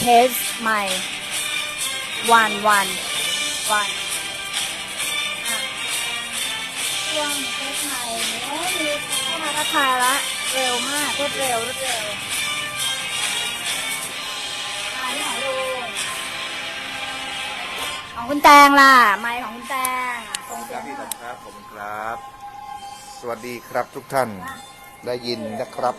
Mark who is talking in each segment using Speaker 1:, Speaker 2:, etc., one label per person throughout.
Speaker 1: สใหม่วันช่วงเทสใหม่มีเข้ามาทักทายละเร็วมากรวดเร็วนี่ของลุงของคุณแตงล่ะไมค์ของคุณแตงตรงเสียง
Speaker 2: ครับผมครับ สวัสดีครับทุกท่านได้ยินนะครับ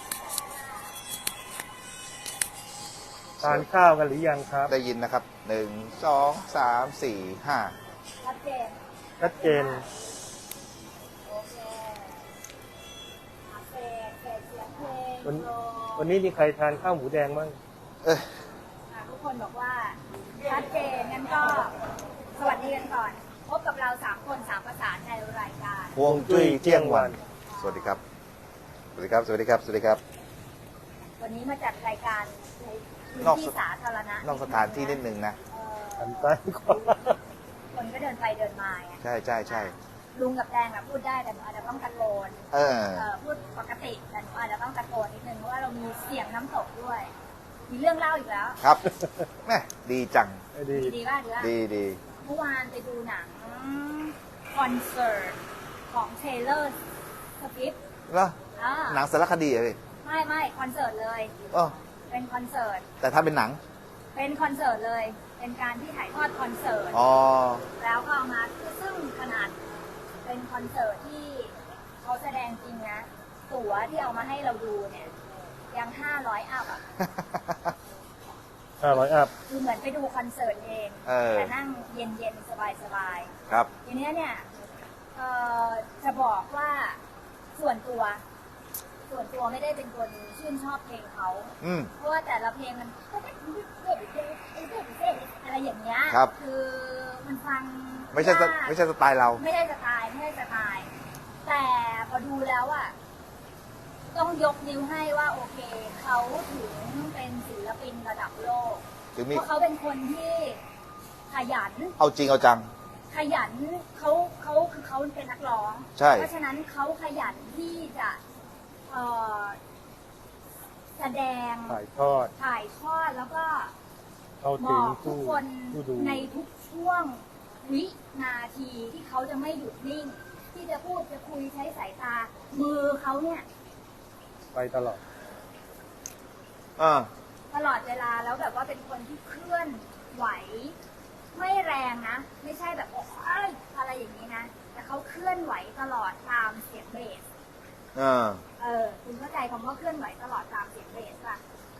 Speaker 3: ทานข้าวกันหรือยังครับ
Speaker 2: ได้ยินนะครับ1 2 3 4 5
Speaker 1: ชัดเจน
Speaker 3: ชัดเจน
Speaker 1: โอเคเสียงเพลง
Speaker 3: วันนี้มีใครทานข้าวหมูแดงบ้าง
Speaker 1: ทุกคนบอกว่าชัดเจนงั้นก็สวัสดีกันก่อนพบกับเรา3 คน3 ประสานในรายการ
Speaker 2: ฮวงจุ้ยเที่ยงวันสวัสดีครับสวัสดีครับสวัสดีครับสวัสดีครับ
Speaker 1: วันนี้มาจัดรายการในพื้นที่สาธารณะ
Speaker 2: นอกสถานที่นิดนึงนะ
Speaker 3: หันซ้ายขวา
Speaker 1: คนก็เดินไปเดินมาไง
Speaker 2: ใช่
Speaker 1: ลุงกับแดงอะพูดได้แต่หนูอาจจะต้องตะโกนพูดปกติแต่หนูอาจจะต้องตะโกนนิดนึงเพราะว่าเรามีเสียงน้ำตกด้วย มีเรื่องเล่าอีกแล้ว
Speaker 2: ครับแม่ดีจัง
Speaker 3: ดี
Speaker 1: ดีป่ะ
Speaker 2: ดี
Speaker 1: เมื่อวานไปดูหนังคอนเสิร์ตของเทเลอร์สวิฟต์
Speaker 2: แล้วหนังสารคดีเหรอพี่
Speaker 1: ไม่คอนเสิร์ตเลย
Speaker 2: อ๋อ
Speaker 1: เป็นคอนเสิร์ต
Speaker 2: แต่ถ้าเป็นหนัง
Speaker 1: เป็นคอนเสิร์ตเลย เป็นการที่ถ่ายทอดคอนเสิร์ต
Speaker 2: อ๋อ
Speaker 1: แล้วก็เอามาซึ่งขนาดเป็นคอนเสิร์ตที่เขาแสดงจริงนะตั๋วที่เอามาให้เราดูเนี่ยยัง500 อัพอ่ะ
Speaker 3: 500 อัพ
Speaker 1: คือเหมือนไปดูคอนเสิร์ตเองแต่นั่งเย็นๆสบายๆ
Speaker 2: ครับ
Speaker 1: ทีนี้เนี่ยจะบอกว่าส่วนตัวไม่ได้เป็นคนชื่นชอบเพลงเขาเพราะว่าแต่ละเพลงมันอะไรอย่างเงี้ยคือมันฟัง
Speaker 2: ไม่ใช่สไตล์เรา
Speaker 1: ไม่ใช่สไตล์แต่พอดูแล้วอ่ะต้องยกนิ้วให้ว่าโอเคเขาถึงเป็นศิลปินระดับโลกเพราะเขาเป็นคนที่ขยัน
Speaker 2: เอาจริงเอาจัง
Speaker 1: ขยันเขาคือเขาเป็นนักร้องเพราะฉะนั้นเขาขยันที่จะแสดงถ่ายทอดแล้วก็บอกทุกคนในทุกช่วงวินาทีที่เขาจะไม่หยุดนิ่งที่จะพูดจะคุยใช้สายตามือเขาเนี่ย
Speaker 3: ไปตลอด
Speaker 1: ตลอดเวลาแล้วแบบว่าเป็นคนที่เคลื่อนไหวไม่แรงนะไม่ใช่แบบโอ้ยอะไรอย่างนี้นะแต่เขาเคลื่อนไหวตลอดตามเสียงเบสคุณเข้าใจคำว่าเคลื่อนไหวตลอดตามเสียงเบสป่ะ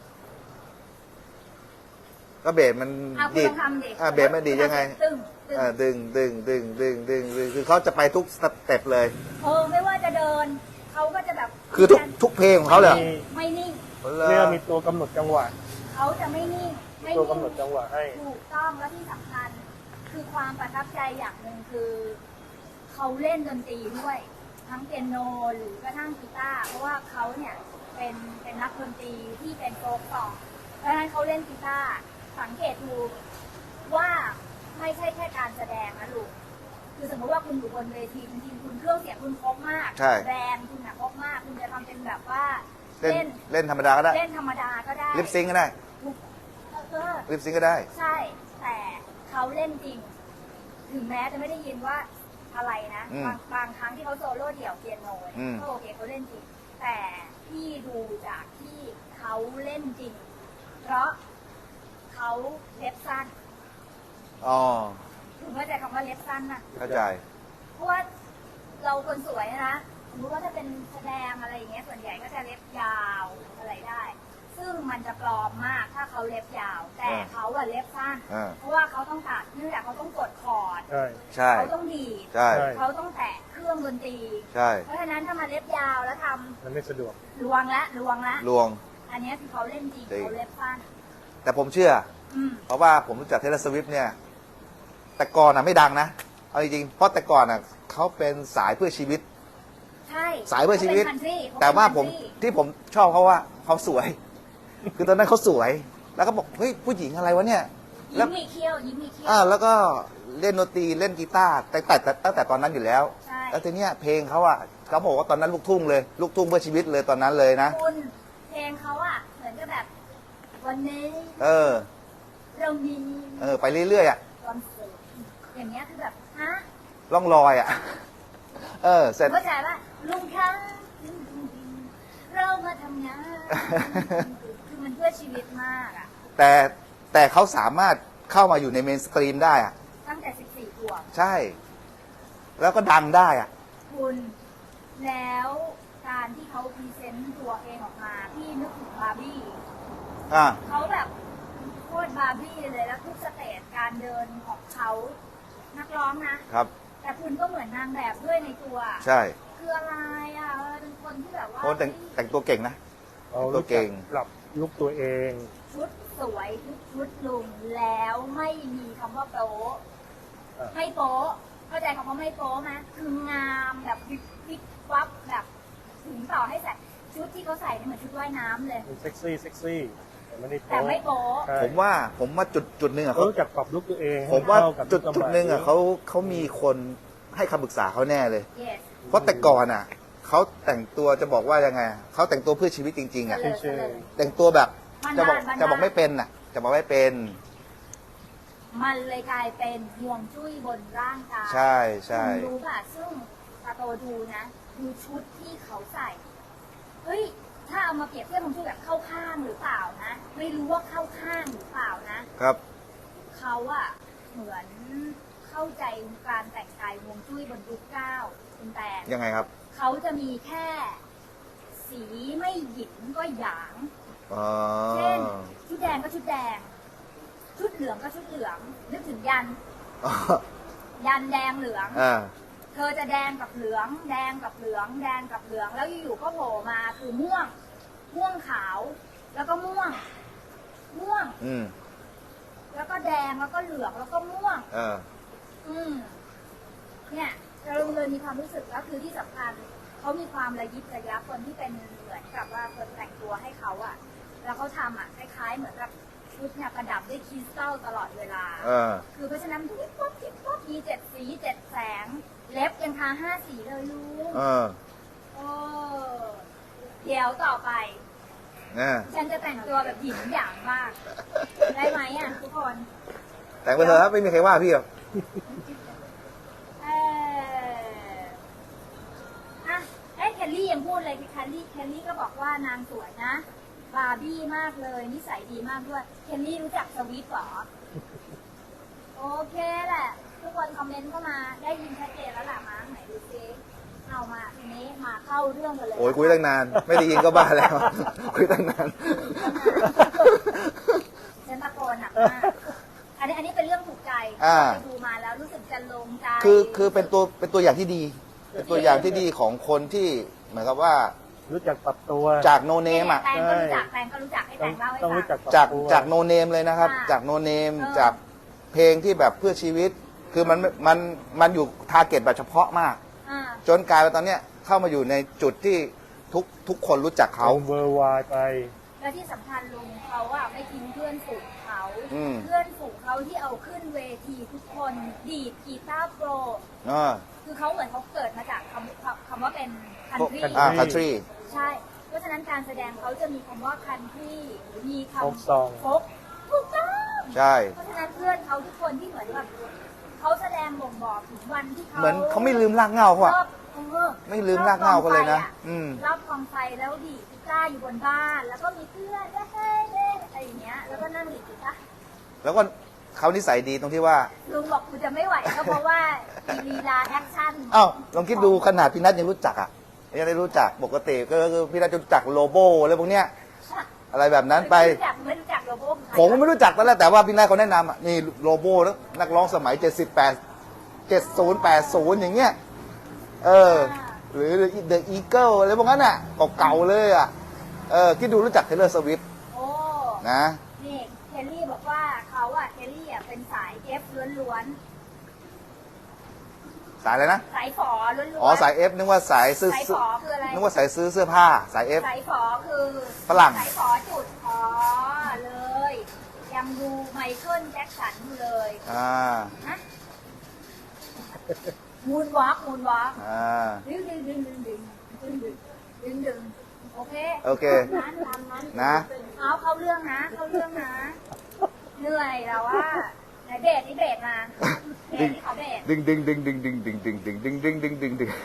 Speaker 2: ก็เบสมันดีเบสมันดียังไงดึงคือเขาจะไปทุกสเต็ปเลย
Speaker 1: ไม่ว่าจะเดินเขาก็จะแบบ
Speaker 2: คือทุกเพลงของเขาเลย
Speaker 1: ไม่นิ่ง
Speaker 3: เรียกมีตัวกำหนดจังหวะ
Speaker 1: เขาจะไม่นิ่ง
Speaker 3: ตัวกำหนดจังหวะให้
Speaker 1: ถูกต้องและที่สำคัญคือความประทับใจอย่างหนึ่งคือเขาเล่นดนตรีด้วยทั้งเปียโนหรือกระทั่งกีตาร์เพราะว่าเขาเนี่ยเป็นนักดนตรีที่เป็นโฟล์คซองเพราะฉะนั้นเขาเล่นกีตาร์สังเกตดูว่าไม่ใช่แค่การแสดงนะลูกคือสมมติว่าคุณอยู่บนเวทีจริงๆคุณเครื่องเสียงคุณครบมากแบรนด์คุณครบมากคุณจะทำเป็นแบบว่า
Speaker 2: เล่นธรรมดาก็ได้ลิปซิงก็ได้ลิปซิงก็ได้
Speaker 1: ใช่แต่เขาเล่นจริงถึงแม้จะไม่ได้ยินว่าอะไรนะบางครั้งที่เขาโซโล่เดี่ยวเปียโนก็โอเคเขาเล่นจริงแต่ที่ดูจากที่เขาเล่นจริงเพราะเขาเล็บสั้นถึงเข้าใจคำว่าเล็บสั้นนะ
Speaker 2: เข้าใจ
Speaker 1: เพราะว่าเราคนสวยนะสมมติว่าถ้าเป็นแสดงอะไรอย่างเงี้ยส่วนใหญ่ก็จะเล็บยาวอะไรได้ซึ่งมันจะปลอมมากถ้าเขาเล็บยาวแต่เขาอะเล็บสั้นเพราะว่าเขาต้องตัดเนื่องจากเขาต้องกดคอร์ดเขาต้องดีดเขาต้องแตะเครื่องดนตรีเพราะฉะนั้นถ้ามาเล็บยาวแล้วทำ
Speaker 3: มันไม่สะดวก
Speaker 1: ลวงอันนี้คือเขาเล่นจริงเขาเล็บสั้น
Speaker 2: แต่ผมเชื่อเพราะว่าผมรู้จักเทเลอร์สวิฟต์เนี่ยแต่ก่อนอ่ะไม่ดังนะเอาจริงๆเพราะแต่ก่อนอ่ะเขาเป็นสายเพื่อชีวิต
Speaker 1: ใช่
Speaker 2: สายเพื่อชีวิตแต่ว่าที่ผมชอบเขาว่าเขาสวยคือตอนนั้นเขาสวยแล้วก็บอกเฮ้ยผู้หญิงอะไรวะเนี่ย
Speaker 1: ยิ้มมีเขี้ยว
Speaker 2: แล้วก็เล่นดนตรีเล่นกีตาร์ตั้งแต่ตอนนั้นอยู่แล้วแล้วทีเนี้ยเพลงเขาอ่ะเขาบอกว่าตอนนั้นลูกทุ่งเลยลูกทุ่งเพื่อชีวิตเลยตอนนั้นเลยนะ
Speaker 1: คุณเพลงเขาอ่ะเหมือนกับแบบวันนี้
Speaker 2: เออ
Speaker 1: เรามี
Speaker 2: ไปเรื่อยๆอ่ะ
Speaker 1: คอนเสิร์ตอย่างเงี้ยคือแบบฮะ
Speaker 2: ล่องลอยอ่ะ เสร็จ
Speaker 1: เข้าใจป่ะลุงคะเรามาทำงาน คือมันเพื่อชีวิตมากอ่ะ
Speaker 2: แต่เขาสามารถเข้ามาอยู่ในเมนสตรีมได้อ่ะ
Speaker 1: ตั้งแต่ 14 ขวบ
Speaker 2: ใช่ แล้วก็ดังได้อ่ะ
Speaker 1: คุณแล้วการที่เขาพรีเซนต์ตัวเองออกมา พี่นึกถึงบาร์บี้
Speaker 2: อ่า
Speaker 1: เขาแบบโคตรบาร์บี้เลยแล้วทุกสเตจการเดินของเขานักร้องนะ
Speaker 2: ครับ
Speaker 1: แต่คุณก็เหมือนนางแบบด้วยในตัว
Speaker 2: ใช่
Speaker 1: คืออะไรอ่ะเป็นคนที่แบบว่า
Speaker 2: โอ้แต่งตัวเก่งนะ
Speaker 3: เขา
Speaker 2: ตัว
Speaker 3: รู้
Speaker 2: เก่
Speaker 3: จัก
Speaker 2: ง
Speaker 3: ปรับลุกตัวเอง
Speaker 1: ชุดสวยทุกชุดลุงแล้วไม่มีคำว่าโป๊ะ
Speaker 3: อ่ะ
Speaker 1: ไม่โป๊ะเข้าใจคำว่าไม่โป๊ะไหมคืองามแบบวิบวับแบบถึงต่อให้ใส่ชุดที่เขาใส่เนี่ยเหมือนชุดว่ายน้ำเลย
Speaker 3: มันเซ็กซี่แต่ไม่ได้
Speaker 1: แต่ไม่โป๊ะ
Speaker 3: ใช่
Speaker 2: ผมว่าจุดหนึ่งอ่ะ
Speaker 3: เขา
Speaker 2: เขา
Speaker 3: รู้จักปรับลุกตัวเอง
Speaker 2: ผมว่า
Speaker 3: ให้เข้กับ
Speaker 2: จุดหนึ่งอ่ะเขามีคนให้คำปรึกษาเขาแน่เลย
Speaker 1: yes
Speaker 2: เพราะแต่ก่อนอ่ะเขาแต่งตัวจะบอกว่ายังไงเขาแต่งตัวเพื่อชีวิตจริงๆอ่ะ
Speaker 1: เฉลย
Speaker 2: แต่งตัวแบบ
Speaker 1: บ้านๆ
Speaker 2: จะบอกไม่เป็นอ่ะ จะบอกไม่เป็น
Speaker 1: มันเลยกลายเป็นห่วงจุ้ยบนร่างกาย
Speaker 2: ใช่ใช่
Speaker 1: คุณรู้ป่ะซึ่งตาโตดูนะ ดูชุดที่เขาใส่ เฮ้ย ถ้าเอามาเปรียบเทียบห่วงจุ้ยแบบเข้าข้างหรือเปล่านะ ไม่รู้ว่าเข้าข้างหรือเปล่านะ
Speaker 2: ครับ
Speaker 1: เขาอะเหมือนเข้าใจการแต่งกายห่วงจุ้ยบนยุคเก้าคุณแต่
Speaker 2: ยังไงครับ
Speaker 1: เขาจะมีแค่สีไม่หยินก็หยาง
Speaker 2: อ๋อ
Speaker 1: เช่น ชุดแดงก็ชุดแดง ชุดเหลืองก็ชุดเหลือง นึกถึงยัน ยันแดงเหลือง
Speaker 2: อ่า
Speaker 1: เธอจะแดงกับเหลือง แดงกับเหลือง แดงกับเหลือง แล้วอยู่ๆก็โผล่มาคือม่วง ม่วงขาว แล้วก็ม่วง ม่วง
Speaker 2: อืม
Speaker 1: แล้วก็แดง แล้วก็เหลือง แล้วก็ม่วง
Speaker 2: เออ
Speaker 1: เนี่ยเราเลยมีความรู้สึกก็คือที่สำคัญเขามีความระยิบระยับคนที่เป็นเหมือนกับว่าคนแต่งตัวให้เขาอะแล้วเขาทำอะคล้ายๆเหมือนกับชุดเนี่ยประดับด้วยคริสตัลตลอดเวลา
Speaker 2: เออ
Speaker 1: คือเพราะฉะนั้นทุกป๊อปทิปป๊อปมี7 สี 7 แสง เล็บยังทา5 สีเลยลูก
Speaker 2: เออ
Speaker 1: โอ้เดี๋ยวต่อไป
Speaker 2: เนี่ย
Speaker 1: ฉันจะแต่งตัวแบบหญิงหยางมาก ได้ไหมอ่ะทุกคน
Speaker 2: แต่งไปเถอะครับไม่มีใครว่าพี่หรอก
Speaker 1: เอออ่ะเอ้ยแคลลี่ยังพูดเลยแคลลี่ก็บอกว่านางสวยนะ บาร์บี้มากเลย นิสัยดีมากด้วย แคลลี่รู้จักสวิฟต์เหรอ โอเคแหละ ทุกคนคอมเมนต์เข้ามาได้ยินชัดเจนแล้วล่ะมั้งไหนดูซิเอามาทีนี้มาเข้าเรื่องกันเลย
Speaker 2: โอ้ยคุยตั้งนาน ไม่ได้ยินก็บ้าแล้ว คุยตั้งนาน
Speaker 1: ฉันตะโกนหนักมากอันนี้เป็นเรื่องถูกใจ
Speaker 2: อ่า
Speaker 1: ไปดูมาแล้วรู้สึกจะลงใจ
Speaker 2: คือเป็นตัวอย่างที่ดี เป็นตัวอย่างที่ดีของคนที่เหมือนกับว่า
Speaker 3: รู้จักปรับตัว
Speaker 2: จากโนเนมอ่ะ
Speaker 1: แตงก็รู้จักแตงก็รู้จักให้แตงเล่าให้
Speaker 3: ต้อง
Speaker 1: ฟั
Speaker 3: รู้
Speaker 1: ง
Speaker 3: จักปรับ
Speaker 2: จาก
Speaker 3: ตัว
Speaker 2: จากโนเนมเลยนะครับ
Speaker 1: อ่า
Speaker 2: จากโนเนม
Speaker 1: เออ
Speaker 2: จากเพลงที่แบบเพื่อชีวิต คือมันอยู่ทาร์เก็ตแบบเฉพาะมาก
Speaker 1: อ่า
Speaker 2: จนกลายเป็นตอนเนี้ยเข้ามาอยู่ในจุดที่ทุกคนรู้จักเขา
Speaker 3: เวอร์วายไป
Speaker 1: แล้วที่สำคัญลุงเขาอะไม่ทิ้งเพื่อนฝูงเขา
Speaker 2: อืม
Speaker 1: เพื่อนฝูงเขาที่เอาขึ้นเวทีทุกคนดีดกีตาร์โปร
Speaker 2: อ่า
Speaker 1: คือเขาเหมือนเขาเกิดมาจากคำว่าเป็นคันทรี
Speaker 2: คันทรี
Speaker 1: ใช่ เพราะฉะนั้นการแสดงเขาจะมีคำว่าคันทรีมีคำ
Speaker 3: Folk song
Speaker 1: โฟกถูกต้อง
Speaker 2: ใช่
Speaker 1: เพราะฉะนั้นเพื่อนเขาทุกคนที่เหมือนแบบเขาแสดงบ่งบอกถึงวันที่เขา
Speaker 2: เหมือนเขาไม่ลืมรากเหง้าเขาอะ
Speaker 1: รอบ
Speaker 2: ไม่ลืมรากเหง้าเขาเลยนะ อืม
Speaker 1: รอบกองไฟแล้วดีดกีตาร์อยู่บนบ้าน แล้วก็มีเพื่อนแล้วเฮ้ยอะไรอย่างเงี้ย แล้วก็นั่งดีดกีตาร์
Speaker 2: แล้วก็เขานิสัยดีตรงที่ว่า
Speaker 1: ลุงบอกกูจะไม่ไหวก็เพราะว่าลีลาแอคชั่น
Speaker 2: อ้าวลองคิดดูขนาดพี่นัทยังรู้จักอ่ะยังได้รู้จักปกติก็คือพี่นัทจะรู้จักโลโบอะไรพวกเนี้ยอะไรแบบนั้นไป
Speaker 1: ไม่รู้จักโลโก้
Speaker 2: ผมก็ไม่รู้จักตอนแรกแต่ว่าพี่นัทเขาแนะนำอ่ะนี่โลโบนักร้องสมัย7080อย่างเงี้ยหรือ The Eagle อะไรพวกนั้นอ่ะเก่าๆเลยอ่ะคิดดูรู้จัก Taylor Swift
Speaker 1: โอ้
Speaker 2: นะ
Speaker 1: นี่เคลลี่บอกว่าเขาอะเคลลี่อะเป็นสายเอฟล้วน
Speaker 2: สายอะไรนะ
Speaker 1: ๆสายฝอล้วนๆ
Speaker 2: อ๋อสาย F นึกว่าสายซื้อ
Speaker 1: สายฝอคืออะไร
Speaker 2: นึกว่าสายซื้อเสื้อผ้าสาย F
Speaker 1: สายฝอคือ
Speaker 2: ฝรั่ง
Speaker 1: สายฝอจุดอ๋อเลย ยังดูไมเคิลแจ็คสันอยู่เลย ฮะมูนวอล์ก
Speaker 2: อ่า
Speaker 1: ดึงดึงดึงดึงดึงดึงดึงดึงดึงโอเค
Speaker 2: โอเค
Speaker 1: นั้นตามนั้น
Speaker 2: นะ
Speaker 1: เอาเข้าเรื่องนะเข้าเรื่องนะเหนื่อยแล้วว่าไหนเบรกนี่เบรกมาเบรกนี่ขอเบรก
Speaker 2: ดึงดึงดึงดึงดึงดึงดึงดึงดึงดึงดึงดึงดึง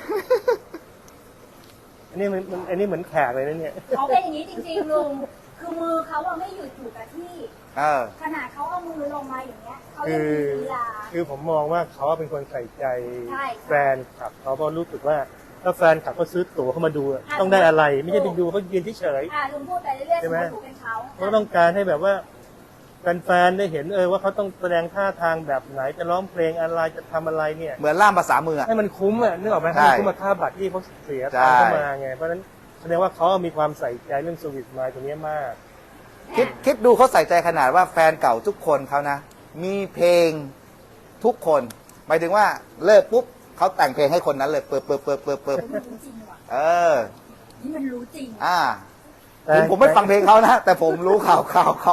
Speaker 3: อันนี้อันนี้เหมือนแขกเลยนะเนี่ย
Speaker 1: เขาเป็นอย่างนี้จริงๆลุงคือมือเขาอะไม่หยุดอยู่กับที่
Speaker 2: เออ
Speaker 1: ขนาดเขาเอามือลงมาอย่างเงี้ยเขา
Speaker 3: คื
Speaker 1: ยัง
Speaker 3: อ
Speaker 1: มีลีลา
Speaker 3: คือผมมองว่าเขาเป็นคนใส่ใจ
Speaker 1: ใช่
Speaker 3: แฟนคลับเขาเพราะรู้สึกว่าถ้าแฟนคลับเขาซื้อตั๋วเข้ามาดูอะต้องได้อะไร ไม่ใช่ไปดูเขายืนเฉย
Speaker 1: ลุงพูดไปเรื่อยๆ
Speaker 3: ใช่
Speaker 1: สม
Speaker 3: ไหม
Speaker 1: มติถูกเป็นเขา
Speaker 3: ๆเขาต้องการให้แบบว่าแฟนๆได้เห็นว่าเขาต้องแสดงท่าทางแบบไหนจะร้องเพลงอะไรจะทำอะไรเนี่ย
Speaker 2: เหมือนล่ามภาษามืออะ
Speaker 3: ให้มันคุ้มอ่ะนึกออกไหม
Speaker 2: ใช่
Speaker 3: ให้มันคุ้มกับค่าบัตรที่เขาเสียตังค์เข้ามาไงเพราะฉะนั้นแสดงว่าเขามีความใส่ใจเรื่องสวิตมายตัวนี้มาก
Speaker 2: คิดดูเขาใส่ใจขนาดว่าแฟนเก่าทุกคนเขานะ มีเพลงทุกคนหมายถึงว่าเลิกปุ๊บเขาแต่งเพลงให้คนนั้นเลยเปิด
Speaker 1: มันรู้จริงว่ะ
Speaker 2: เออ
Speaker 1: นี่มันรู้จริง
Speaker 2: ถึงผมไม่ฟังเพลงเขานะ แต่ผมรู้ข่าวเขา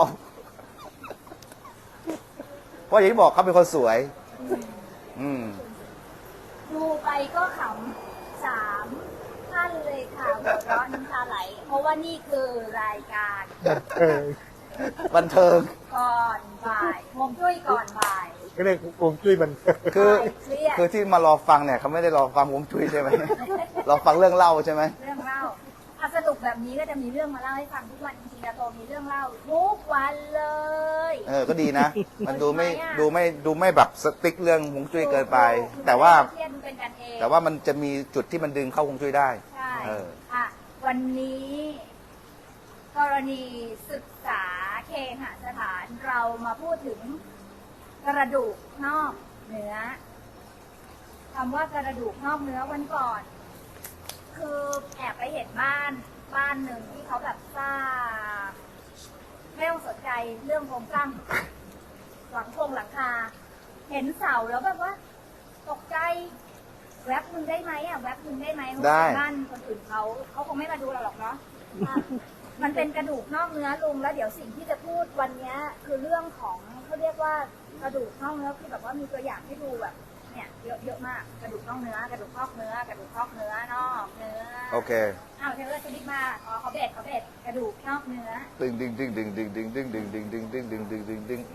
Speaker 2: เพราะอย่างที่บอกเขาเป็นคนสวย อืม
Speaker 1: ดูไปก็ขำ3 ท่านเลยค่ะหัวเราะน้ำตาไหล เพราะว่านี่คือรายการ
Speaker 2: บันเทิง
Speaker 1: ก่อนบ่ายฮวงจุ้ยก่อนบ่าย
Speaker 3: ก็เลยโกงจุ้ยมัน
Speaker 2: คือ
Speaker 1: เครียด
Speaker 2: คือที่มารอฟังเนี่ยเขาไม่ได้รอฟังผมจุ้ยใช่ไหม รอฟังเรื่องเล่าใช่ไหม
Speaker 1: เรื่องเล่าสนุกแบบนี้ก็จะมีเรื่องมาเล่าให้ฟังทุกวันจริงๆนะโตมีเรื่องเล่าทุกวันเลย
Speaker 2: ก็ดีนะ มันดูไม่
Speaker 1: ทำไมอะ
Speaker 2: ดูไม่แบบสติ๊กเรื่องฮวงจุ้ยเกินไป แต่ว่า
Speaker 1: เครียดมันเป็นกันเอง
Speaker 2: แต่ว่ามันจะมีจุดที่มันดึงเข้าฮวงจุ้ยได้
Speaker 1: ใช่
Speaker 2: เออ
Speaker 1: วันนี้ กรณีศึกษาเคหสถานเรามาพูดถึงกระดูกนอกเนื้อคำว่ากระดูกนอกเนื้อวันก่อน คือแอบไปเห็นบ้านหนึ่งที่เขาแบบสร้างไม่ต้องสนใจเรื่องโครงสร้างหลังคา เห็นเสาแล้วแบบว่า ตกใจแวบมึงได้ไหมแวบมึงได้ไหมเพราะว่าเป็นบ้านคนอื่นเขาคงไม่มาดูเราหรอกเนาะ มันเป็นกระดูกนอกเนื้อลุงแล้วเดี๋ยวสิ่งที่จะพูดวันนี้คือเรื่องของเขาเรียกว่ากระดูกนอกเนื้อคือแบบว่ามีตัวอย่างให้ดูแบบเนี่ยเยอะมากกระดูกนอกเนื้อกระดูกนอกเนื้อกระดูกนอกเนื้อนอกเนื้อ
Speaker 2: โอเค
Speaker 1: เทเลอร์สลิปมาเขาเบ็ดกระดูกนอกเนื้อ
Speaker 2: ดึงดึงดึงดึงดึงดึงดึงดึงดึงดึงดึงดึงดึงดึงดึง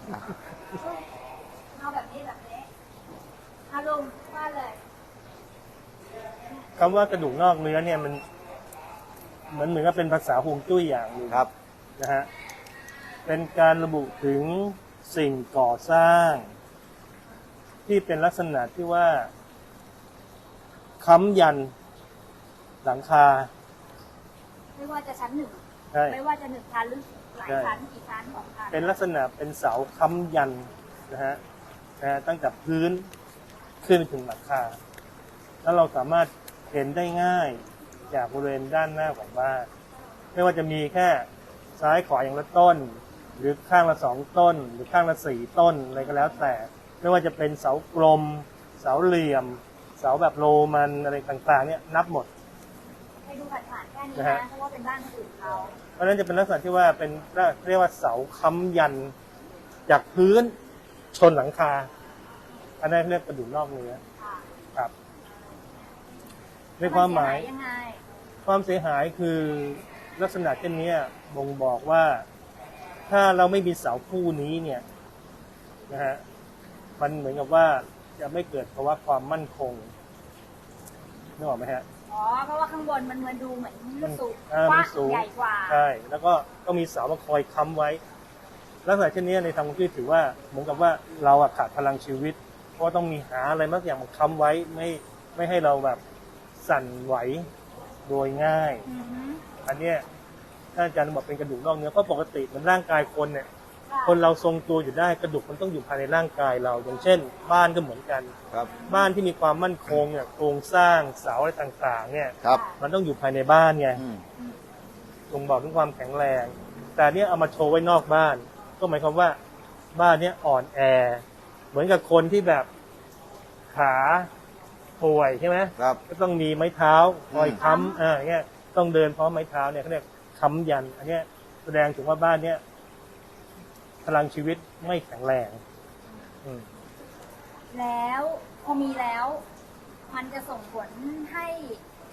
Speaker 1: เอาแบบนี้ลุงว่าเลย
Speaker 3: คำว่ากระดูกนอกเนื้อเนี่ยมันเหมือนกับเป็นภาษาฮวงจุ้ยอย่างหนึ่ง
Speaker 2: ครับ
Speaker 3: นะฮะเป็นการระบุถึงสิ่งก่อสร้าง ที่เป็นลักษณะที่ว่าค้ำยันหลังคา
Speaker 1: ไม่ว่าจะชั้น
Speaker 3: ใช่
Speaker 1: 1ไม่ว่าจะ1 ชั้นหรือหลายชั้นกี่ชั้น2 ชั้น
Speaker 3: เป็นลักษณะเป็นเสาค้ำยันนะฮะตั้งแต่พื้นขึ้นไปถึงหลังคาแล้วเราสามารถเห็นได้ง่ายจากบริเวณด้านหน้าของบ้านไม่ว่าจะมีแค่ซ้ายขวาอย่างละต้น หรือข้างละ2 ต้น หรือข้างละ4 ต้นอะไรก็แล้วแต่ไม่ว่าจะเป็นเสากลม เสาเหลี่ยม เสาแบบโรมันอะไรต่างๆเนี่ยนับหมด
Speaker 1: ให้ดูผ่านๆแค่นี้
Speaker 3: นะ
Speaker 1: นะ
Speaker 3: ฮะ
Speaker 1: เพราะว่าเป็นบ้านคนอื่นเขา
Speaker 3: เพราะฉะนั้นจะเป็นลักษณะที่ว่าเป็นเรียกว่าเสาค้ำยันจากพื้นชนหลังคา อันนั้นเรียกกระดูกนอกเนื้อ
Speaker 1: ค่ะ
Speaker 3: ครับในความหมาย
Speaker 1: นเสียังไง
Speaker 3: ความเสียหายคือลักษณะเช่นนี้บ่งบอกว่าถ้าเราไม่มีเสาคู่นี้เนี่ยนะฮะมันเหมือนกับว่าจะไม่เกิดภาวะความมั่นคงนึกออกไหมฮะ
Speaker 1: เพราะว่าข้างบนมันดูเหมือนมันสูง
Speaker 3: มั
Speaker 1: กว้าน
Speaker 3: สูง
Speaker 1: ใหญ่กว่า
Speaker 3: ใช่แล้วก็ต้องมีเสามาคอยค้ำไว้ ลักษณะเช่นนี้ในทางฮวงจุ้ยถือว่าเหมือนกับว่าเราขาดพลังชีวิต เพราะว่าต้องมีหาอะไรบางอย่างมาค้ำไว้ไม่ให้เราแบบสั่นไหวโดยง่าย
Speaker 1: อือฮึ
Speaker 3: อันเนี้ยถ้าอาจารย์บอกเป็นกระดูกนอกเนื้อเพราะปกติเหมันร่างกายคนเนี่ย
Speaker 1: ค่ะ
Speaker 3: คนเราทรงตัวอยู่ได้กระดูกมันต้องอยู่ภายในร่างกายเรา อย่างเช่น บ้านก็เหมือนกัน
Speaker 2: ครับ
Speaker 3: บ้านที่มีความมั่นคงเนี่ยโครงสร้างเสาอะไรต่างๆ เนี่ย
Speaker 2: ครับ
Speaker 3: มันต้องอยู่ภายในบ้านไง
Speaker 2: อืม
Speaker 3: บ่งบอกถึงความแข็งแรง แต่เนี่ยเอามาโชว์ไว้นอกบ้าน ก็หมายความว่าบ้านเนี้ยอ่อนแอ เหมือนกับคนที่แบบขาป่วยใช่ไหม
Speaker 2: ครับ
Speaker 3: ก็ต้องมีไม้เท้าคอยค้ำเงี้ยต้องเดินเพราะไม้เท้าเนี่ยเขาเรียกค้ำยัน อันเนี้ยแสดงถึงว่าบ้านเนี้ยพลังชีวิตไม่แข็งแรงอืม
Speaker 1: แล้วพอมีแล้ว มันจะส่งผลให้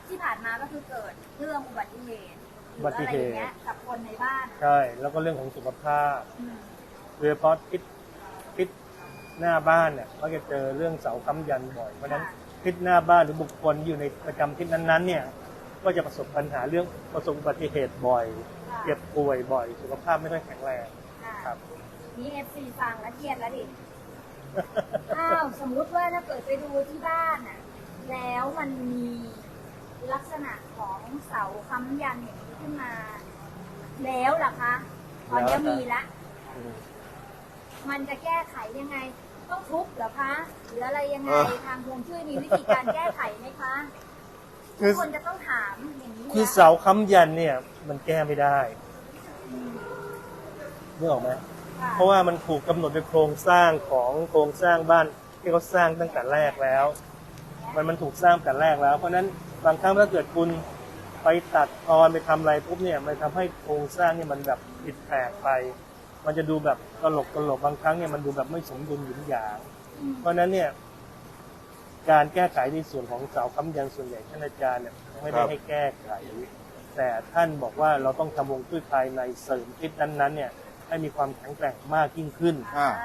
Speaker 1: ที่ผ่านมาก็คือเกิดเรื่องอุบัติเหตุหรือ
Speaker 3: อุบั
Speaker 1: อะ
Speaker 3: ติ
Speaker 1: ไร
Speaker 3: เห
Speaker 1: อ
Speaker 3: ตุ
Speaker 1: ย่างเงี้ยกับคนในบ้าน
Speaker 3: ใช่แล้วก็เรื่องของสุขภาพ
Speaker 1: อืม
Speaker 3: โดยเฉพาะทิศหน้าบ้านเนี่ยก็จะเจอเรื่องเสาค้ำยันบ่อยเพราะฉะนั้นทิศหน้าบ้านหรือบุคคลอยู่ในประจำทิศนั้นๆเนี่ยก็จะประสบปัญหาเรื่องประสบอุบัติเหตุบ่อย
Speaker 1: ค่ะ
Speaker 3: เจ็บป่วยบ่อย สุขภาพไม่ค่อยแข็งแรง
Speaker 1: ค่ะ
Speaker 3: ครับ
Speaker 1: นี่ FC ฟังแล้วเครียดแล้วดิ อ้าวสมมุติว่าถ้าเกิดไปดูที่บ้านอ่ะ แล้วมันมีลักษณะของเสาค้ำยันอย่างนี้ขึ้นมา แล้วล่ะคะ ตอนนี้มีละ มันจะแก้ไขยังไง ต้องทุบเหรอคะ หรืออะไรยังไง ทางฮวงจุ้ยมีวิธีการแก้ไขไหมคะ
Speaker 3: คื
Speaker 1: ทุ
Speaker 3: อก
Speaker 1: คนจะต้องถามอย่างนี้
Speaker 3: คือ
Speaker 1: นะ
Speaker 3: เสาค้ำยันเนี่ยมันแก้ไม่ได้นึกออกไหม
Speaker 1: ค่ะ
Speaker 3: เพราะว่ามันถูกกำหนดโดยโครงสร้างของโครงสร้างบ้านที่เขาสร้างตั้งแต่แรกแล้ว มันถูกสร้างแต่แรกแล้ว เพราะฉะนั้นบางครั้งถ้าเกิดคุณไปตัดตอนไปทำอะไรปุ๊บเนี่ยมันทำให้โครงสร้างเนี่ยมันแบบผิดแปลกไป มันจะดูแบบตลกบางครั้งเนี่ยมันดูแบบไม่สมดุลหยุนหยาง
Speaker 1: อืม
Speaker 3: เพราะฉะนั้นเนี่ยการแก้ไขในส่วนของเสาค้ำยันส่วนใหญ่ท่านอาจารย์เนี่ยไม่ได้ให้แก้ไข แต่ท่านบอกว่าเราต้องทำฮวงจุ้ยภายในเสริมทิศนั้นๆเนี่ยให้มีความแข็งแกร่งมากยิ่งขึ้น
Speaker 2: อ่า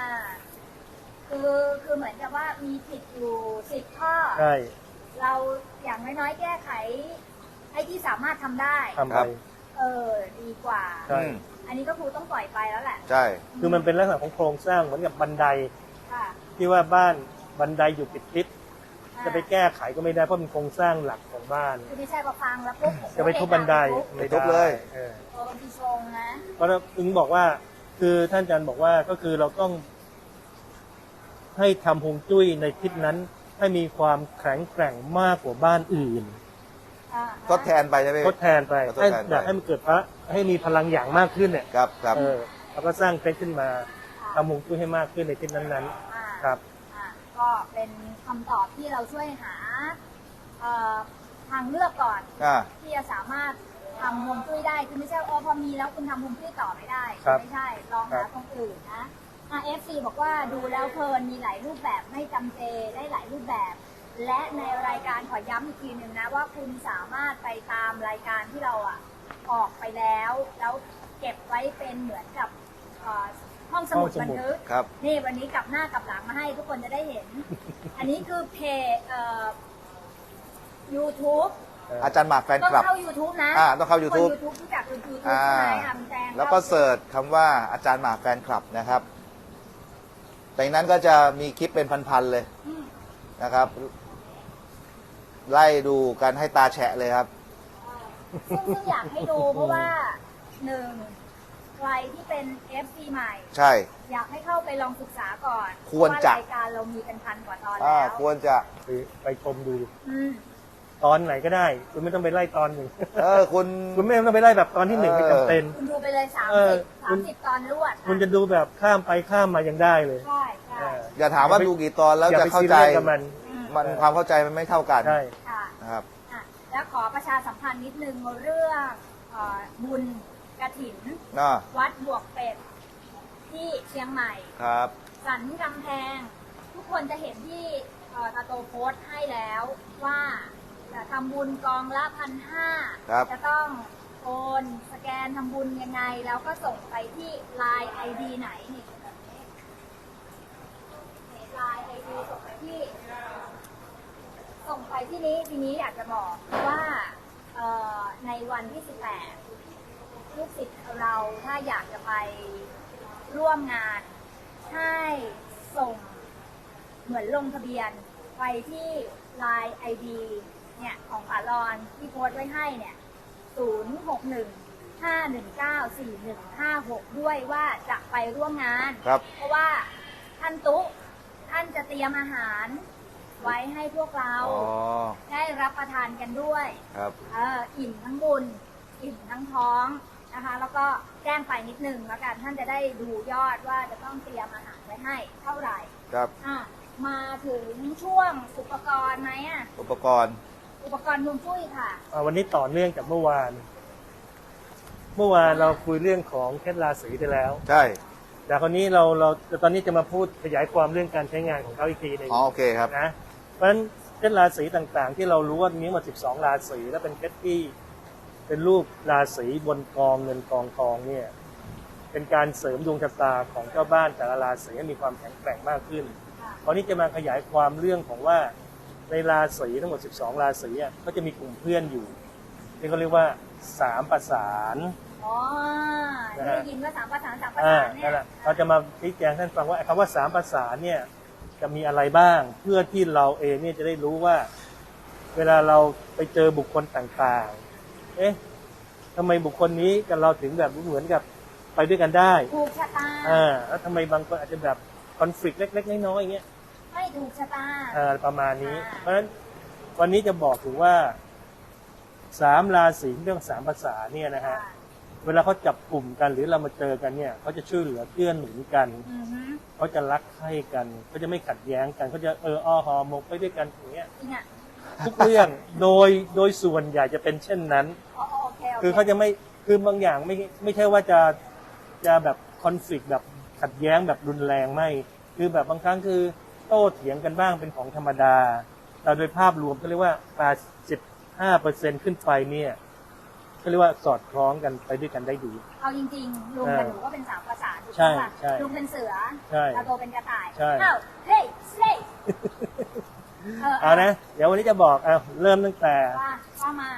Speaker 1: คือเหมือนกับว่ามีผิดอยู่10 ข้อ
Speaker 3: ใช่
Speaker 1: เราอย่างน้อยๆแก้ไขไอ้ที่สามารถทำได้
Speaker 3: ทำ
Speaker 2: ครั
Speaker 3: ไป
Speaker 2: บ
Speaker 1: ดีกว่า
Speaker 3: ใช่
Speaker 2: อืม
Speaker 1: อันนี้ก็ครูต้องปล่อยไปแล้วแหละ
Speaker 2: ใช่
Speaker 3: คือมันเป็นลักษณะของโครงสร้างเหมือนกับบันได
Speaker 1: ค่ะ
Speaker 3: ที่ว่าบ้านบันไดอยู่ติดทิศ
Speaker 1: อ่า
Speaker 3: จะไปแก้ไขก็ไม่ได้เพราะเป็นโครงสร้างหลักของบ้าน
Speaker 1: คือไม่ใช่พอฟังแล้วปุ๊บ
Speaker 3: จะไปทุบบันได
Speaker 2: ไปทุบเลย
Speaker 3: เออ
Speaker 1: โอ้บางทีชงนะ
Speaker 3: เพราะถึงบอกว่าคือท่านอาจารย์บอกว่าก็คือเราต้องให้ทำฮวงจุ้ยในทิศนั้น ให้มีความแข็งแกร่งมากกว่าบ้านอื่น
Speaker 2: ทดแทนไปใช่ไหม
Speaker 3: ทดแทนไป
Speaker 2: ทดแทนไป
Speaker 3: อยากให้มันเกิดพระให้มีพลังอย่างมากขึ้นเนี่ย
Speaker 2: ครับครับ
Speaker 3: แล้วก็สร้างเพชรขึ้นมาทำฮวงจุ้ยให้มากขึ้นในทิศนั้น
Speaker 1: อ่า
Speaker 3: ๆ ครับ
Speaker 1: อ่าก็เป็นคำตอบที่เราช่วยหาทางเลือกก่อน
Speaker 2: อ่า
Speaker 1: ที่จะสามารถทำฮวงจุ้ยได้คือไม่ใช่พอมีแล้วคุณทำฮวงจุ้ยต่อไม่ได้
Speaker 3: ครับ
Speaker 1: ไม่ใช่ลองหาตรงอื่นนะFC บอกว่าดูแล้วเพลินมีหลายรูปแบบไม่จำเจได้หลายรูปแบบ และในรายการขอย้ำอีกทีหนึ่งนะว่าคุณสามารถไปตามรายการที่เราออกไปแล้วเก็บไว้เป็นเหมือนกับห้องสมุดบันทึก
Speaker 2: ครับ
Speaker 1: นี่วันนี้กลับหน้ากลับหลังมาให้ทุกคนจะได้เห็น อันนี้คือเพจYouTube
Speaker 2: อาจารย์หมากแฟน
Speaker 1: ต้อง
Speaker 2: คลับ
Speaker 1: เข้า YouTube นะ
Speaker 2: ต้องเข้า YouTube
Speaker 1: คน YouTube รู้จัก YouTube
Speaker 2: อ่า
Speaker 1: ใช่ไหมอ่ะมันแจ้ง
Speaker 2: แล้วก็เสิร์ชคำว่าอาจารย์หมากแฟนคลับนะครับแต่นั้นก็จะมีคลิปเป็นพันๆเลย
Speaker 1: อืม
Speaker 2: นะครับ ไล่ดูกันให้ตาแฉะเลยครับ
Speaker 1: ซึ่งอยากให้ดูเพราะว่าหนึ่งใครที่เป็น FC ใหม่
Speaker 2: ใช่
Speaker 1: อยากให้เข้าไปลองศึกษาก่อน
Speaker 2: ควรจะ
Speaker 1: เพาว่ารายการเรามีเป็นพันกว่าตอนแล้ว
Speaker 2: ควรจะ
Speaker 3: ไปชมดู
Speaker 1: อืม
Speaker 3: ตอนไหนก็ได้ คุณไม่ต้องไปไล่ตอนหนึ่ง
Speaker 2: คุณ
Speaker 3: คุณไม่ต้องไปไล่แบบตอนที่หนึ่งไม่จำเป็น
Speaker 1: คุณดูไปเลย
Speaker 3: เออคุณ
Speaker 1: 30ตอนรวด
Speaker 3: คุณจะดูแบบข้ามไปข้ามมายังได้เลย
Speaker 1: ใช่ใช่
Speaker 2: อย่าถามว่าดูกี่ตอนแล้ว
Speaker 3: อย่า
Speaker 2: จะ
Speaker 3: ไป
Speaker 2: เข้า
Speaker 3: ซี
Speaker 2: ใจ
Speaker 3: เรียสกับมัน
Speaker 1: อืม
Speaker 2: มันความเข้าใจมันไม่เท่ากัน
Speaker 3: ใช่
Speaker 1: ค่ะ
Speaker 2: นะครับ
Speaker 1: อ่ะแล้วขอประชาสัมพันธ์นิดนึงเรื่องบุญกฐิน วัดบวกเป็ดที่เชียงใหม่
Speaker 2: ครับ
Speaker 1: สันกำแพง ทุกคนจะเห็นที่ตาโตโพสต์ให้แล้วว่าจะทำบุญกองละ1,500
Speaker 2: ครับ
Speaker 1: จะต้องโอนสแกนทำบุญยังไง แล้วก็ส่งไปที่ Line ID ไหนนี่Line ID ส่งไปที่นี้ทีนี้อยากจะบอกว่าในวันที่ 18 ลูกศิษย์เราถ้าอยากจะไปร่วมงานให้ส่งเหมือนลงทะเบียนไปที่ Line ID เนี่ยของป๋าลอนที่โพสต์ไว้ให้เนี่ย 061-519-4156 ด้วยว่าจะไปร่วมงาน
Speaker 2: ครับ
Speaker 1: เพราะว่าท่านตุ๊ท่านจะเตรียมอาหารไว้ให้พวกเรา
Speaker 2: อ๋อ
Speaker 1: ได้รับประทานกันด้วย
Speaker 2: ครับ
Speaker 1: อิ่มทั้งบุญอิ่มทั้งท้องนะคะ แล้วก็แจ้งไปนิดนึงแล้วกันท่านจะได้ดูยอดว่าจะต้องเตรียมอาหารไว้ให้เท่าไหร่
Speaker 2: ครับ
Speaker 1: มาถึงช่วงอุปกรณ์ไหม
Speaker 2: อุปกรณ์
Speaker 1: อุปกรณ์ฮวงจุ้ยค่ะ
Speaker 3: วันนี้ต่อเนื่องจากเมื่อวาน เราคุยเรื่องของเคล็ดราศีไปแล้ว
Speaker 2: ใช่
Speaker 3: แต่คราวนี้เราตอนนี้จะมาพูดขยายความเรื่องการใช้งานของเขาอีกทีหนึ่ง
Speaker 2: อ๋อโอเคครับ
Speaker 3: นะเพราะฉะนั้นเช่นราศีต่างๆ ที่เรารู้ว่ามีหมด12 ราศีแล้วเป็นเพชรที่เป็นรูปราศีบนกองเงินกองทองเนี่ยเป็นการเสริมดวงชะตาของเจ้าบ้านแต่ละราศีให้มีความแข็งแกร่งมากขึ้น
Speaker 1: ค่ะ
Speaker 3: ตอนนี้จะมาขยายความเรื่องของว่าในราศีทั้งหมด12 ราศีอ่ะก็จะมีกลุ่มเพื่อนอยู่ที่เขาเรียกว่า3 ประสาน
Speaker 1: อ๋อ
Speaker 3: นะฮะ
Speaker 1: ได้ยินว่า3 ประสาน3 ประ
Speaker 3: อ่า
Speaker 1: สานเนี่
Speaker 3: นั่
Speaker 1: ย
Speaker 3: นแหละเราจะมาชี้แจงให้ท่านฟังว่าไอ้คำว่า3 ประสานเนี่ยจะมีอะไรบ้าง เพื่อที่เราเองเนี่ยจะได้รู้ว่า เวลาเราไปเจอบุคคลต่างๆ เอ๊ะทำไมบุคคลนี้กับเราถึงแบบเหมือนกับไปด้วยกันได้
Speaker 1: ถูกชะตา
Speaker 3: แล้วทำไมบางคนอาจจะแบบคอนฟ lict เล็กๆน้อยๆอย่างเงี้ย
Speaker 1: ไม่ถูกชะตา
Speaker 3: ประมาณนี้
Speaker 1: อ่า
Speaker 3: เพราะฉะนั้นวันนี้จะบอกถึงว่า3 ราศีเรื่อง3 ภาษาเนี่ยนะฮะ
Speaker 1: ค่ะ
Speaker 3: เวลาเขาจับกลุ่มกันหรือเรามาเจอกันเนี่ยเขาจะช่วยเหลือเกื้อหนุนกัน
Speaker 1: อือฮึ
Speaker 3: เขาจะรักใคร่กันเขาจะไม่ขัดแย้งกันเขาจะหอหมกไปด้วยกันอย่างเงี้ย
Speaker 1: จริงอ่ะ
Speaker 3: ทุกเรื่อง โดยส่วนใหญ่จะเป็นเช่นนั้น
Speaker 1: อ๋อโอเคโอเค
Speaker 3: คือเขาจะไม่คือบางอย่างไม่ใช่ว่าจะแบบคอนฟ lict แบบขัดแย้งแบบรุนแรงไม่คือแบบบางครั้งคือโต้เถียงกันบ้างเป็นของธรรมดา แต่โดยภาพรวมก็เรียกว่า85%ขึ้นไปเนี่ยก็เรียกว่าสอดคล้องกันไปด้วยกันได้ดี
Speaker 1: เอาจริงๆลุงกับหนูก็เป็น3 ประสานถูก
Speaker 3: ใช่
Speaker 1: ไหม
Speaker 3: ใช่
Speaker 1: ลุงเป็นเสือ
Speaker 3: ใช่
Speaker 1: เราโตเป็นกระต่าย
Speaker 3: ใช่
Speaker 1: อ้าวเฮ้ยเฮ้ย
Speaker 3: เอานะเดี๋ยววันนี้จะบอกเริ่มตั้งแต่
Speaker 1: ว่ามา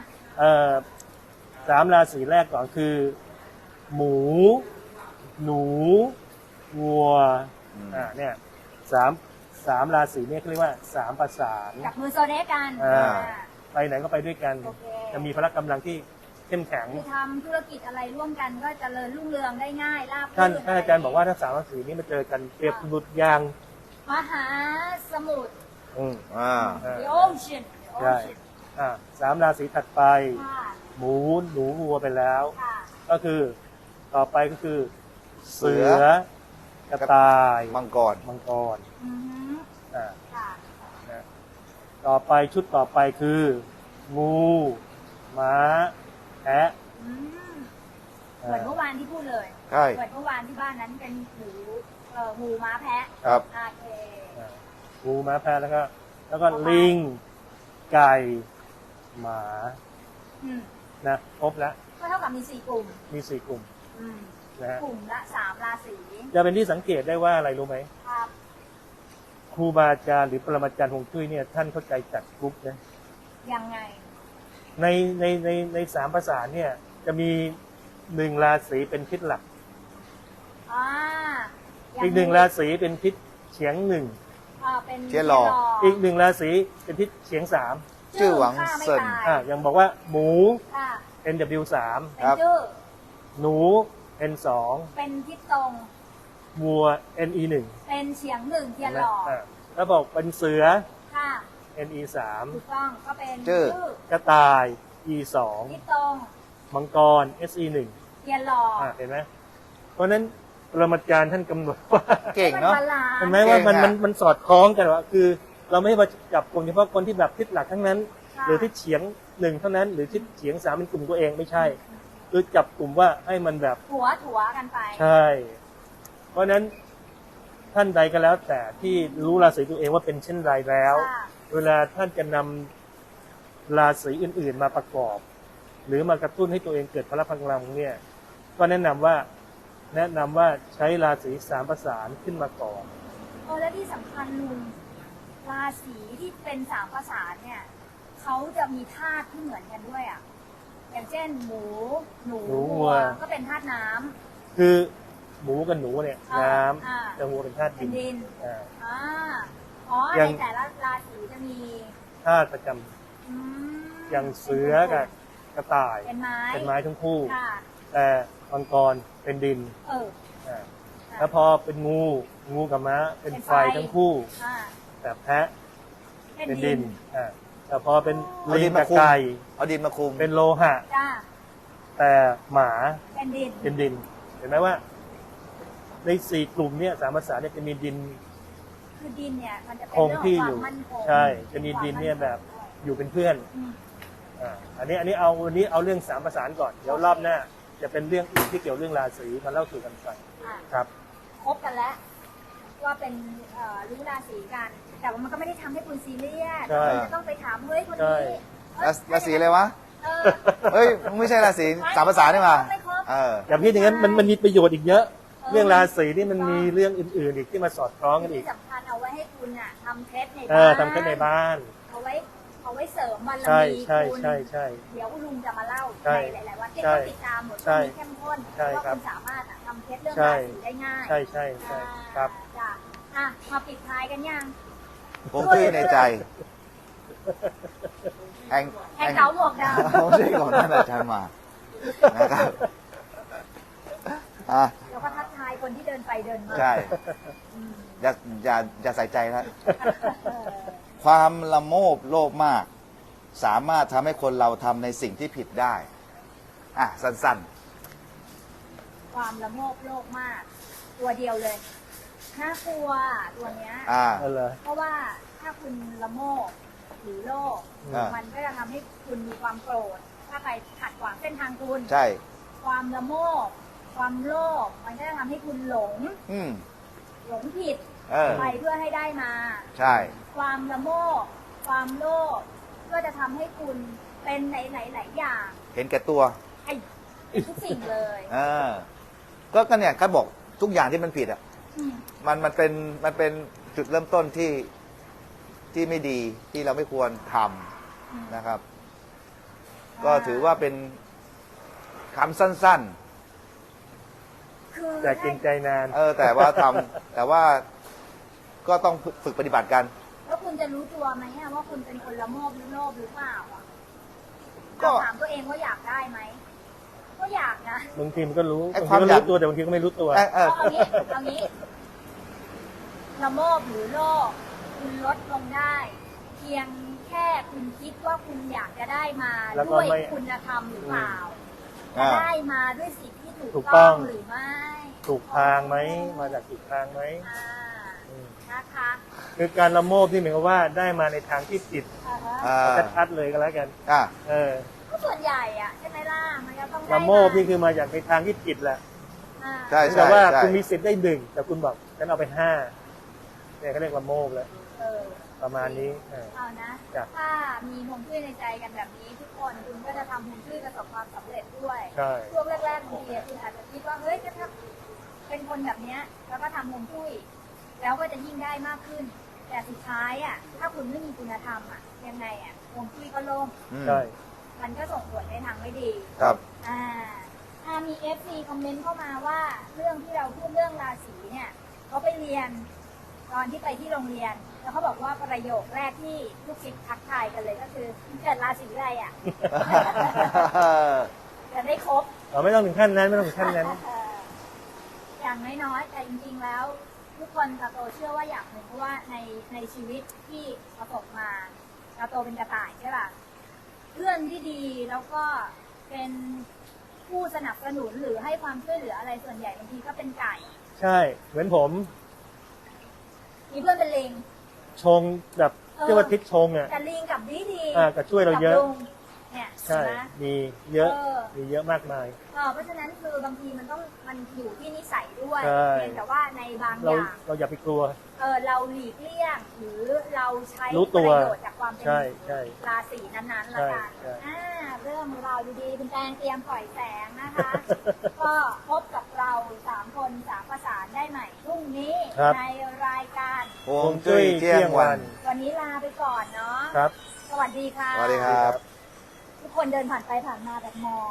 Speaker 3: 3 ราศีแรกก่อนคือ หมู หนู วัวเนี่ยสามราศีเนี่ยเขาเรียกว่า3 ประสาน
Speaker 1: จับมือโซเดกัน
Speaker 3: อ่า ไปไหนก็ไปด้วยกัน
Speaker 1: โอเค
Speaker 3: จะมีพละกำลังที่เข้มแข็ง
Speaker 1: คือทำธุรกิจอะไรร่วมกันก็เจริญรุ่งเรืองได้ง่ายราบ
Speaker 3: ท่าน
Speaker 1: รื่น
Speaker 3: อาจารย์บอกว่าถ้า3 ราศีนี้มาเจอกันเปรียบบุตรยาง
Speaker 1: มหาสมุทร
Speaker 2: อ่า
Speaker 1: The Ocean The
Speaker 3: ใช่
Speaker 1: Ocean
Speaker 3: 3 ราศีถัดไป
Speaker 1: ค่ะ
Speaker 3: หมู หนู วัวไปแล้ว
Speaker 1: ค่ะ
Speaker 3: ก็คือต่อไปก็คือ
Speaker 2: เสื
Speaker 3: เสื
Speaker 2: อ
Speaker 3: อกระต่าย
Speaker 2: มังกร
Speaker 3: มังกร
Speaker 1: อือฮึ
Speaker 3: อ่า
Speaker 1: ค่ะ
Speaker 3: นะต่อไปชุดต่อไปคือ งู ม้า แพะ
Speaker 1: อืมเหมือนเมื่อวานที่พูดเลย
Speaker 2: ใช่
Speaker 1: เหมือนเมื่อวานที่บ้านนั้นเป็นหมูม้าแพะ
Speaker 2: ครับ
Speaker 1: โอเค
Speaker 3: งูม้าแพะแล้วก็ลิง ไก่ หมา
Speaker 1: อืม
Speaker 3: นะครบแล้ว
Speaker 1: ก็เท่ากับมี4 กลุ่ม
Speaker 3: มี4 กลุ่ม
Speaker 1: อืม
Speaker 3: นะฮะ
Speaker 1: กลุ่มละ3 ราศี
Speaker 3: จะเป็นที่สังเกตได้ว่าอะไรรู้ไหม
Speaker 1: ครับ
Speaker 3: ครูบาอาจารย์หรือปรมาจารย์ฮวงจุ้ยเนี่ยท่านเข้าใจจัดกรุ๊ปนะ
Speaker 1: ยังไง
Speaker 3: ใน3 ภาษาเนี่ยจะมี1 ราศีเป็นทิศหลัก
Speaker 1: อ่า
Speaker 3: อีก1 ราศีเป็นทิศเฉียง
Speaker 1: เป็น
Speaker 2: เจียหล่อ
Speaker 3: 1อีก1 ราศีเป็นทิศเฉียง
Speaker 2: ชื่อหวัง
Speaker 1: ฆ่าไม่
Speaker 2: เซิน
Speaker 1: ตาย
Speaker 3: 3อย่างบอกว่าหมู
Speaker 1: ค่ะ
Speaker 3: NW
Speaker 1: เป็น
Speaker 2: ครับ
Speaker 1: ชื่อ
Speaker 3: 3หนู N2
Speaker 1: เป็นทิศตรง
Speaker 3: วัว NE
Speaker 1: เป็นเฉียง1 เทียน
Speaker 3: 1
Speaker 1: หล่อ
Speaker 3: แล้วบอกเป็นเสือ
Speaker 1: ค่ะ
Speaker 3: NE
Speaker 1: ถูกต้องก็เป็น
Speaker 2: ชื่อ
Speaker 3: 3กระต่าย E
Speaker 1: ทิศตรง
Speaker 3: 2มังกร SE 1
Speaker 1: เทียนหล่อ
Speaker 3: เห็นไหมเพราะฉะนั้นปรมาจารย์ท่านกำหนดว่า
Speaker 2: เก่งเนาะ
Speaker 1: ให้มับลนซ์
Speaker 3: เห็นไหมว่ามัน
Speaker 2: เก่งอะ
Speaker 3: มันสอดคล้องกันว่าคือ เราไม่ให้มาจับกลุ่มเฉพาะคนที่แบบทิศหลักทั้งนั้น
Speaker 1: ค่ะ
Speaker 3: หรือทิศเฉียง 1เท่านั้น หรือทิศเฉียง 3เป็นกลุ่มตัวเองไม่ใช่คือจับกลุ่มว่าให้มันแบบ
Speaker 1: ถั่วกันไป
Speaker 3: ใช่ เพราะฉะนั้นท่านใดก็แล้วแต่ที่รู้ราศีตัวเองว่าเป็นเช่นไรแล้ว
Speaker 1: ค่ะ
Speaker 3: เวลาท่านจะนำราศีอื่นๆมาประกอบ หรือมากระตุ้นให้ตัวเองเกิดพละพลังเนี่ยก็แนะนำว่าใช้ราศี3 ประสานขึ้นมาก่อน
Speaker 1: และที่สำคัญลุงราศีที่เป็น3 ประสานเนี่ยเขาจะมีธาตุที่เหมือนกันด้วยอ่ะอย่างเช่นหมูหนู
Speaker 3: หนูวั
Speaker 1: วั
Speaker 3: ว
Speaker 1: วก็เป็นธาตุน้ำ
Speaker 3: คือหมูกับหนูเนี่ย
Speaker 1: อ่า
Speaker 3: น้
Speaker 1: อ่า
Speaker 3: ำแต่วัวเป็นธาตุ
Speaker 1: เป็นดิน
Speaker 3: อ่า
Speaker 1: อ่าอ๋อ
Speaker 3: อย่าง
Speaker 1: ในแต่ละราศีจะมี
Speaker 3: ธาตุประจำ
Speaker 1: อืม
Speaker 3: อย่างเสือกับกระต่าย
Speaker 1: เป็นไม้
Speaker 3: เป็นไม้ทั้งคู่
Speaker 1: ค่ะ
Speaker 3: แต่มังกรเป็นดิน
Speaker 1: เออ
Speaker 3: อ่า
Speaker 1: ค่ะ
Speaker 3: แล้วพอเป็นงูกับม้าเป็นไฟ
Speaker 1: เป็นไฟ
Speaker 3: ทั้งคู่
Speaker 1: อ่า
Speaker 3: แต่แพะ
Speaker 1: เป็น
Speaker 3: เป็น
Speaker 1: ดิ
Speaker 3: ดิ
Speaker 1: น
Speaker 3: นแต่พอเป็น
Speaker 2: เอา
Speaker 3: ลิ
Speaker 2: ดิ
Speaker 3: ง
Speaker 2: นมา
Speaker 3: กับ
Speaker 2: คุม
Speaker 3: ไก่
Speaker 2: เอาดินมาคุม
Speaker 3: เป็นโลหะ
Speaker 1: จ้า
Speaker 3: แต่หมา
Speaker 1: เป็นดิน
Speaker 3: เป็นดิน เห็นไหมว่า ใน4 กลุ่มเนี่ย3 ภาษาเนี่ยจะมีดิน
Speaker 1: คือดินเนี่ยมันจะเป็น
Speaker 3: คง
Speaker 1: เรื่อง
Speaker 3: ที่
Speaker 1: ข
Speaker 3: อ
Speaker 1: อง
Speaker 3: ยู่
Speaker 1: ความมั่นคง
Speaker 3: ใช่จะมีดินเนี่ยแบบอยู่เป็นเพื่อน
Speaker 1: อืม
Speaker 3: อันนี้เอาวันนี้เอาเรื่อง3 ประสานก่อนเดี๋ยวรอบหน้าจะเป็นเรื่องอื่นที่เกี่ยวเรื่องราศีมาเล่าสู่กันฟัง
Speaker 1: อ่ะ
Speaker 3: ครับ
Speaker 1: ครบกันแล้วว่าเป็นรู้ราศีกัน แต่ว่ามันก็ไม่ได้ทำให้คุณซีเรียส
Speaker 3: ใช่
Speaker 1: คุณจะต้องไปถามเฮ้ยคน
Speaker 3: ใช่
Speaker 1: นี้เอ้ย
Speaker 2: ราศีอะไรวะ
Speaker 1: เออ
Speaker 2: เฮ้ยมึงไม่ใช่ราศีสามภาษานี่มา
Speaker 1: ไม่ครบ
Speaker 2: เออ
Speaker 3: อย่าพิดอย่างนั้นมันมีประโยชน์อีกเยอะ
Speaker 1: อ
Speaker 3: เรื่องราศีนี่มันมีเรื่องอื่นๆอีกที่มาสอดคล้องกันอี
Speaker 1: ที่
Speaker 3: ก
Speaker 1: สำคัญเอาไว้ให้คุณอ่ะทำเคล็ดใน
Speaker 3: เอ
Speaker 1: บ้า
Speaker 3: อน ทำแค่ในบ้าน
Speaker 1: เอาไว้เสริมบาร
Speaker 3: ใช่
Speaker 1: มี
Speaker 3: ใช่
Speaker 1: คุณ
Speaker 3: ใช่ใช่
Speaker 1: เดี๋ยวลุงจะมาเล่า
Speaker 3: ใช่
Speaker 1: ในหลายๆวันที่
Speaker 3: ใช่
Speaker 1: เขาติดตามหมด
Speaker 3: ใช่
Speaker 1: ที่เข้มข้น
Speaker 3: ใช่
Speaker 1: ว่า
Speaker 3: ครับ
Speaker 1: คุณสามารถอะทำเคล็ดเรื่อง
Speaker 3: ใช่
Speaker 1: ราศีได้ง่าย
Speaker 3: ใช่ใช่ใช่ครับ
Speaker 1: จ้ะอ่ะมาปิดท้ายกันยัง
Speaker 2: ผมตื้อในใจแอง
Speaker 1: แองเก๋าหมวกดำ
Speaker 2: ไม่ใช่ก่อนท่านอาจารย์มานะครับอ่ะ
Speaker 1: แล้วก็ทักทายคนที่เดินไปเดินมา
Speaker 2: ใช่
Speaker 1: อืม
Speaker 2: อย่าใส่ใจนะ
Speaker 1: เออ
Speaker 2: ความละโมบโลภมาก สามารถทำให้คนเราทำในสิ่งที่ผิดได้ อ่ะ สั้น
Speaker 1: ความละโมบโลภมาก ตัวเดียวเลยน่ากลัวตัวเนี้ย
Speaker 2: ๆ อ่า
Speaker 3: นั่นเหรอ
Speaker 1: เพราะว่าถ้าคุณละโมบหรือโลภ
Speaker 2: อ่ามั
Speaker 1: มันก็จะทำให้คุณมีความโกรธ ถ้าใครขัดขวางเส้นทางคุณ
Speaker 2: ใช่
Speaker 1: ความละโมบความโลภมันก็จะทำให้คุณหลง
Speaker 2: อืม
Speaker 1: หลงผิด
Speaker 2: เออ
Speaker 1: ไปเพื่อให้ได้มา
Speaker 2: ใช่
Speaker 1: ความละโมบความโลภก็จะทำให้คุณเป็นหลายๆอย่าง
Speaker 2: เห็นแก่ตัว
Speaker 1: ไอ้ทุกสิ่งเลย
Speaker 2: เออ ก็เนี่ยเขาบอกทุกอย่างที่มันผิดอ่ะ
Speaker 1: อืม
Speaker 2: มันเป็นจุดเริ่มต้นที่ไม่ดีที่เราไม่ควรทำนะครับ ก็ถือว่าเป็นคำสั้น
Speaker 1: คือ
Speaker 3: แต่เกรงใจนาน
Speaker 2: ๆ แต่ว่าแต่ว่าก็ต้องฝึกปฏิบัติกัน
Speaker 1: แล้วคุณจะรู้ตัวไหมอะว่าคุณเป็นคนละโมบหรือโลภหรือเปล่าอะ
Speaker 2: ก็
Speaker 1: ถามตัวเองว่าอยากได้ไหมก็อยากนะ
Speaker 3: บางทีมันก็รู้
Speaker 2: ไอ้
Speaker 3: บาง
Speaker 2: ความ
Speaker 3: ทีก็
Speaker 2: อยาก
Speaker 3: รู้ตัวแต่บางทีก็ไม่รู้ตัว
Speaker 1: เอางี้ละโมบหรือโลภคุณลดลงได้ เพียงแค่คุณคิดว่าคุณอยากจะได้มา
Speaker 3: แล้วก็
Speaker 1: ด้วย
Speaker 3: ไม่
Speaker 1: คุณธรรมหรือเปล่า
Speaker 2: อ่า
Speaker 1: จะได้มาด้วยสิ่งที่ถู
Speaker 3: ถู
Speaker 1: ก
Speaker 3: กต้
Speaker 1: ต้อ
Speaker 3: อง ง
Speaker 1: หรือไม่
Speaker 3: ถูกทางไหมมาจากถูกทางไหม
Speaker 1: อ่า
Speaker 3: อืม
Speaker 1: นะคะ
Speaker 3: คือการละโมบที่หมายความว่าได้มาในทางที่ผิด
Speaker 1: อ่าฮะ
Speaker 2: อ่า
Speaker 3: ชัดๆเลยก็แล้วกัน
Speaker 2: อ่ะ
Speaker 3: เออ
Speaker 1: ก็ส่วนใหญ่อะใช่ไหมล่ะมันจะต้องได้
Speaker 3: ละโมบนี่คือมาจากในทางที่ผิดแหละ
Speaker 1: อ่า
Speaker 2: ใช่
Speaker 3: แต่ว่า
Speaker 2: ใช่
Speaker 3: คุณมีสิทธิ์ได้หนึ่งแต่คุณบอกฉันเอาไปห้าเนี่ยเขาเรียกละโมบแล้ว
Speaker 1: เออ
Speaker 3: ประมาณนี้
Speaker 1: เอานะ
Speaker 3: จ้ะ
Speaker 1: ถ้ามีฮวงจุ้ยในใจกันแบบนี้ ทุกคนคุณก็จะทำฮวงจุ้ยประสบความสำเร็จด้วย
Speaker 3: ใช่
Speaker 1: ช่วงแรกๆบางทีคุณอาจจะคิดว่าเฮ้ยก็ถ้าเป็นคนแบบเนี้ยแล้วก็ทำฮวงจุ้ยแล้วก็จะยิ่งได้มากขึ้น แต่สุดท้ายอ่ะถ้าคุณไม่มีคุณธรรมอ่ะยังไงอ่ะฮวงจุ้ยก็ล่ม
Speaker 2: อืม
Speaker 3: ใช่
Speaker 1: มันก็ส่งผลในทางไม่ดี
Speaker 2: ครับ
Speaker 1: มี FC คอมเมนต์เข้ามาว่าเรื่องที่เราพูดเรื่องราศีเนี่ยเขาไปเรียนตอนที่ไปที่โรงเรียน แล้วเขาบอกว่าประโยคแรกที่ลูกศิษย์ทักทายกันเลยก็คือเกิดราศีอะไรอ่ะ จะได้ครบ
Speaker 3: เราไม่ต้องถึงขั้นนั้นไม่ต้องถึงขั้นนั้น
Speaker 1: อย่างน้อยๆ แต่จริงๆ แล้ว ทุกคนกาโตเชื่อว่าอย่างหนึ่งเพราะว่าในชีวิตที่ประสบมากาโตเป็นกระต่ายใช่ป่ะเพื่อนที่ดีแล้วก็เป็นผู้สนับสนุนหรือให้ความช่วยเหลืออะไรส่วนใหญ่บางทีก็เป็นไก่
Speaker 3: ใช่ เหมือนผม
Speaker 1: มีเพื่อนเป็นลิง
Speaker 3: ชงแบบเรียกว่าทิศชงอ่ะ
Speaker 1: แต่ลิงกับดี
Speaker 3: ก็ช่วยเราเยอะ
Speaker 1: กับลุงเนี่ย
Speaker 3: ใช่
Speaker 1: เห็นไหม
Speaker 3: มีเยอะ
Speaker 1: เออ
Speaker 3: มีเยอะมากมาย
Speaker 1: เพราะฉะนั้นคือบางทีมันอยู่ที่นิสัยด้วย
Speaker 3: ใช่
Speaker 1: เพียงแต่ว่าในบางอ
Speaker 3: เรา
Speaker 1: ย่าง
Speaker 3: เราอย่าไปกลัว
Speaker 1: เราหลีกเลี่ยงหรือเราใช้
Speaker 3: รู้
Speaker 1: ป
Speaker 3: ตัว
Speaker 1: ระโยชน์จากความเป็น
Speaker 3: ใช่ใช่
Speaker 1: ราศีนั้นๆละกัน
Speaker 3: ใช่
Speaker 1: เริ่มราวดีๆคุณแตงเตรียมปล่อยแสงนะคะ ก็พบกับเรา3 คน3ประสานได้ใหม่พรุ่งนี้ในรายการ
Speaker 2: ฮวงจุ้ยเที่ยงวัน
Speaker 1: วันนี้ลาไปก่อนเนาะ
Speaker 3: ครับ
Speaker 1: สวัสดีค่ะ
Speaker 2: สวัสดีครับ
Speaker 1: ทุกคนเดินผ่านไปผ่านมาแบบมอง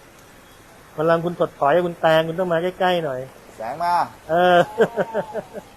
Speaker 3: วันหลังคุณถดถอยคุณแตงคุณต้องมาใกล้ๆหน่อย
Speaker 2: แสงมา
Speaker 3: เออ